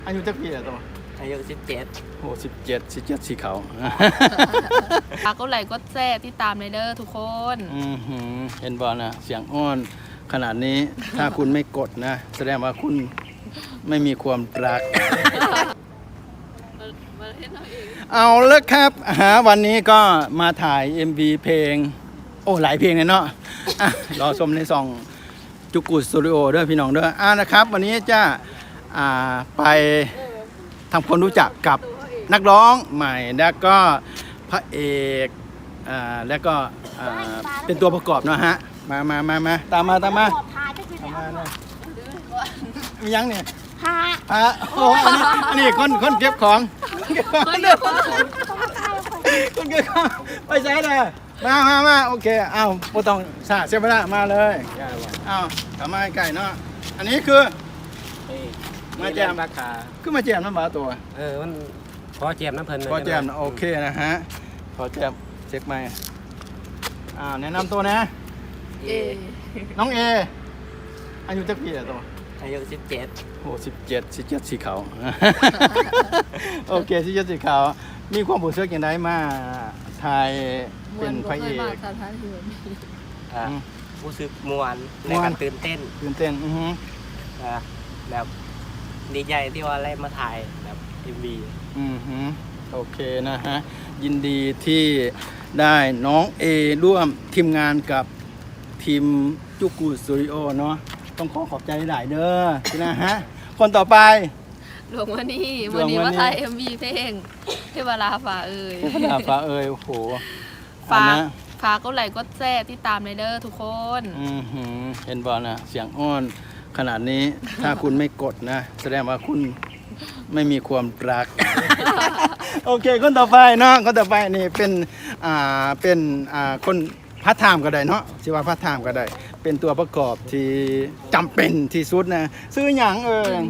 อายุจักปีแล้วตัวอายุ17 โอ้17สีขาวฝากกดไลค์กดแชร์ติดตามเลยเด้อทุกคนเห็นบอลนะเสียงอ้อนขนาดนี้ถ้าคุณไม่กดนะแสดงว่าคุณไม่มีความรักเอาแล้วครับวันนี้ก็มาถ่าย MV เพลงโอ้หลายเพลงเลยเนาะรอชมในซองจุกุสตูดิโอด้วยพี่น้องด้วยนะครับวันนี้จะไปทำความรู้จักกับนักร้องใหม่แล้วก็พระเอกแล้วก็เป็นตัวประกอบเนาะฮะมาตามมามียังเนี่ยโอ้อันนี้คนเก็บของคนเก็บของไปใช้เลยมาโอเคเอาโปต้องสาเสียเวลามาเลยเอากลับมาไก่เนาะอันนี้คือมาแจมราคาคือมาแจมน้ำบาตัวมันขอแจมน้ำเพลินขอแจมโอเคนะฮะขอแจมเช็คไมค์แนะนำตัวนะน้องเออายุจักปีแล้วตัวอายุ17 โอ้17สีขาวโอเค17สีขาวมีความรู้สึกอย่างไรมาถ่ายเป็นพระเอกรู้สึกมวนในการตื่นเต้นแบบดีใจที่ว่าได้มาถ่ายแบบ MV โอเคนะฮะยินดีที่ได้น้องเอร่วมทีมงานกับทีมจุกุสตูดิโอเนาะต้องขอบใจหลายเด้อนะฮะคนต่อไปหลวงวันนี้มาถ่าย MV เพลงเทวราฟ้าเอ่ยโอ้โหฝากกดไลค์กดแชร์ติดตามเลยเด้อทุกคนเห็นบอลนะเสียงอ้อนขนาดนี้ถ้าคุณไม่กดนะแสดงว่าคุณไม่มีความรักโอเคคนต่อไปเนาะคนต่อไปนี่เป็นคนพัฒไทม์ก็ได้เนาะชื่อว่าพัฒไทม์ก็ได้เป็นตัวประกอบที่จำเป็นที่สุดนะซื้อหยัง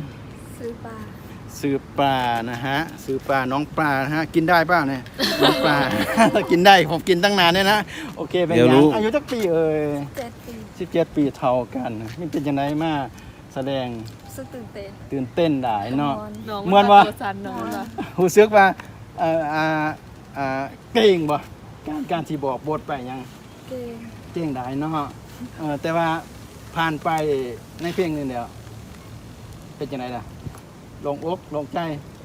ซื้อปลานะฮะซื้อปลาน้องปลานะฮะกินได้ป่ะเนี่ยน้องปลากินได้ผมกินตั้งนานเนี่ยนะโอเคเป็นยังอายุจักปี17 ปีเท่ากันนี่เป็นยังไงมาแสดงตื่นเต้นได้เนาะเหมือนว่าหูซึกว่าเก่งบ่การที่บอกบทไปยังเก่งได้เนาะแต่ว่าผ่านไปในเพลงนึงเดียวเป็นยังไงล่ะลงอกลงใจ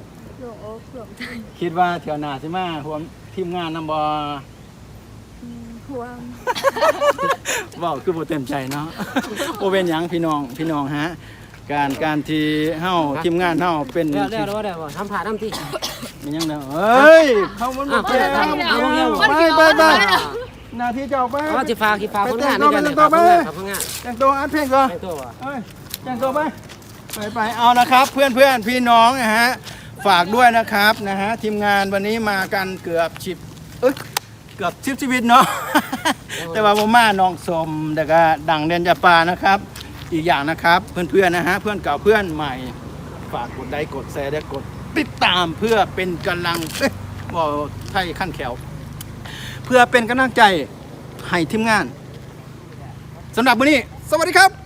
คิดว่าเที่ยวหน้าสิมาห่วงทีมงานนำบ่ห่วงว้าวคือบ่เต็มใจเนาะโอเป็นหยังพี่น้องฮะการที่เฮาทีมงานเฮาเป็นเดี๋ยวทำผ่าทำที่มันยังเด้อเฮ้ยเข้ามันบ่แก่ไปหน้าที่เจ้าไปจิฟ้าคนงานนี่กันคนงานแต่งตัวอัดเพลงก่อนแต่งตัวไปเอานะครับเพื่อนพี่น้องนะฮะฝากด้วยนะครับนะฮะทีมงานวันนี้มากันเกือบ10ชีวิตเนาะแต่ว่าผมมาน้องสมแต่ก็ดังเด่นจะปานะครับอีกอย่างนะครับเพื่อนๆนะฮะเพื่อนเก่าเพื่อนใหม่ฝากกดไลค์กดแชร์และกดติดตามเพื่อเป็นกำลังบอกไทยขั้นแขวเพื่อเป็นกำลังใจให้ทีมงานสำหรับวันนี้สวัสดีครับ